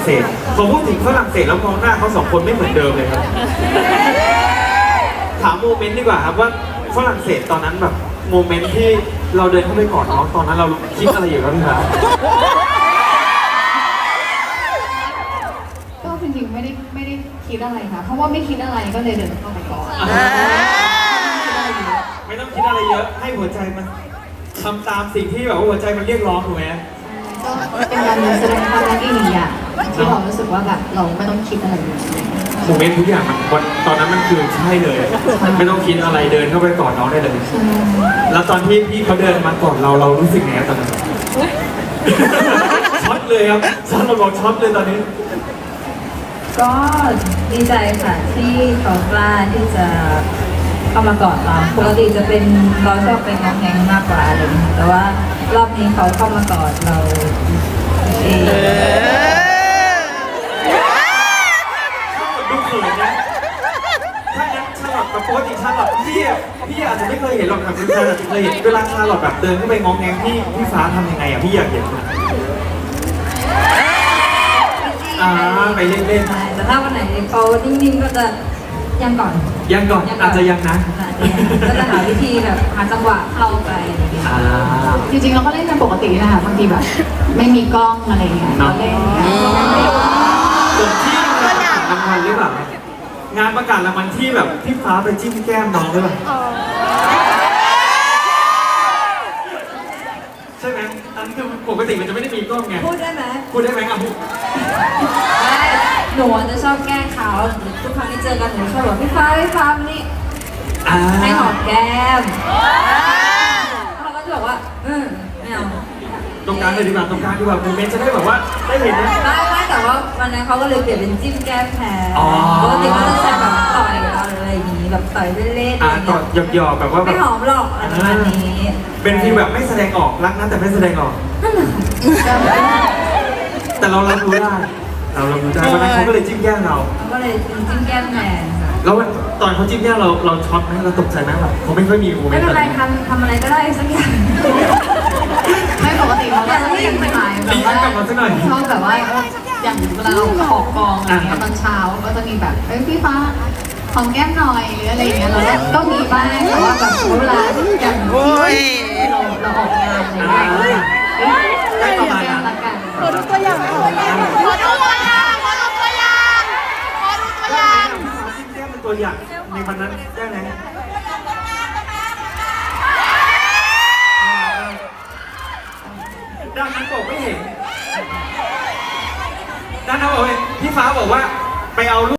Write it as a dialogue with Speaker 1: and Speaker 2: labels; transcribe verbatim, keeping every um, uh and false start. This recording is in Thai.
Speaker 1: ศสพอพูดถึงฝรั่งเศสแล้วมองหน้าเขาสองคนไม่เหมือนเดิมเลยครับถามโมเมนต์ดีกว่าครับว่าฝรั่งเศสตอนนั้นแบบโมเมนต์ที่เราเดินเข้าไปกอดน้องตอนนั้นเราคิดอะไรอยู่ครับพี่ครับ
Speaker 2: ก็จริงๆไม่ได้ไม่ได้คิดอะไรค่ะเพราะว่าไม่คิดอะไรก็เลยเดินเข้าไปก่อน
Speaker 1: ไม่ต้องคิดอะไรเยอะให้หัวใจมันทำตามสิ่งที่แบบว่าหัวใจมันเรียกร้องถูกไหม
Speaker 2: ก็เป็นการแสดงความรักอีกหนึ่งอย่างที่เรารู้สึกว่าแบบเราไม่ต้องคิดอะไรเลย
Speaker 1: โมเมนต์ทุกอย่างมันวันตอนนั้นมันคือใช่เลยไม่ต้องคิดอะไรเดินเข้าไปกอดน้องได้เลยแล้วตอนที่พี่เขาเดินมากอดเราเรารู้สึกไงตอนนั้นช็อตเลยครับช็อตเราบอกช็อตเลยตอนนี้
Speaker 3: ก็ดีใจค่ะที่เขากล้าที่จะเข้ามากอดเราปกติจะเป็นเราชอบเป็นงองแงงมากกว่าอะไรอย่างเงี้ยแต่ว่ารอบนี้เขาเข้ามากอดเราเอง
Speaker 1: ดูเขินนะถ้างั้นชาลอตกับปกติชาลอตพี่พี่อาจจะไม่เคยเห็นหรอกครับคุณชาลอตเคยเห็นเวลาชาลอตแบบเดินเข้าไปงองแงงพี่พี่ฟ้าทำยังไงอ่ะพี่อยากเห็นอ่าไปเล่น
Speaker 3: ๆแต่ถ้าวันไหนเขานิ่งๆก็จะยังก่อน
Speaker 1: ยังก่อนอาจจะยังนะ
Speaker 3: ก็จะหาวิธีแบบหาจังหวะเข้าไปอะไรอย่างเงี้ย
Speaker 2: จริงๆเราก็เล่นกันปกตินะคะบางทีแบบไม่มีกล้องอะไรเงี้ยเราเล่น
Speaker 1: ส่วนที่งานประกาศรางวัลหรือเปล่างานประกาศรางวัลที่แบบพี่ฟ้าไปจิ้มแก้มน้องหรือเปล่าใช่ไหมอันนี้คือปกติมันจะไม่ได้มีกล้องไง
Speaker 3: พูดได้ไหม
Speaker 1: พูดได้ไหมอ่ะพูด
Speaker 3: หนูจะชอบแกล้งเขาทุกครั้งที่เจอกันหนูชอบบอกพี่ฟ้าพี่ฟ้านี่ให้หอมแก้มเขาก็จะบอกว่าเออไม่เอา
Speaker 1: ตรงกลางเลยดีกว่าตรงกลางดีกว่าโมเมนต์จะได้แบบว่าได้เห็นนะ
Speaker 3: ไม่ไม่แต่ว่าวันนั้นเขาก็เลยเปลี่ยนเป็นจิ้มแก้มแทนปกติก็จะใช้แบบต่อยอะไรอย่างนี้แบบต่อยเล่นๆอะไร
Speaker 1: อย่างเงี้ยหยอกๆแบบว่า
Speaker 3: ไม่หอมหรอกอะไรแบบนี้
Speaker 1: เป็นที่แบบไม่แสดงออกรักนะแต่ไม่แสดงออกแต่เรารับรู้ได้เราเรารู้ได้วันนั้นเขาก็เลยจิ้มแก้มเรา
Speaker 3: เขาก็เลยจิ้มแก้มแทน
Speaker 1: แล้วตอนเขาจิ้มแก้มเราเราช็อตไหมเราตกใจไหมแบบเขาไม่ค่อยมีโมเมนต์
Speaker 3: ไม่เป็นไรทำทำอะไรก็ได้สักอย่าง
Speaker 2: ไม่ปกติเราก็จะไม่ไม่หายแบบว่าชอบแบบว่าอย่างเวลาเราออกกองอะไรเงี้ยตอนเช้าก็จะมีแบบเอ้ยพี่ฟ้าหอมแก้มหน่อยหรืออะไรเงี้ยเราก็มีบ้างแต่ว่าแบบเวลาอย่างเราเราออกงานอะไรเงี้ยได้ประมาณนั้นละกัน
Speaker 4: ขอดูตัวอย่างขอดูตัวอย่างขอดูตัวอย่างขอดูตัวอย่างขอดูตัวอย่าง
Speaker 1: จิ้มแก้มเป็นตัวอย่างในวันนั้นได้ไหมด้านนั้นบอกไม่เห็นด้านนั้นบอกเห็นพี่ฟ้าบอกว่าไปเอา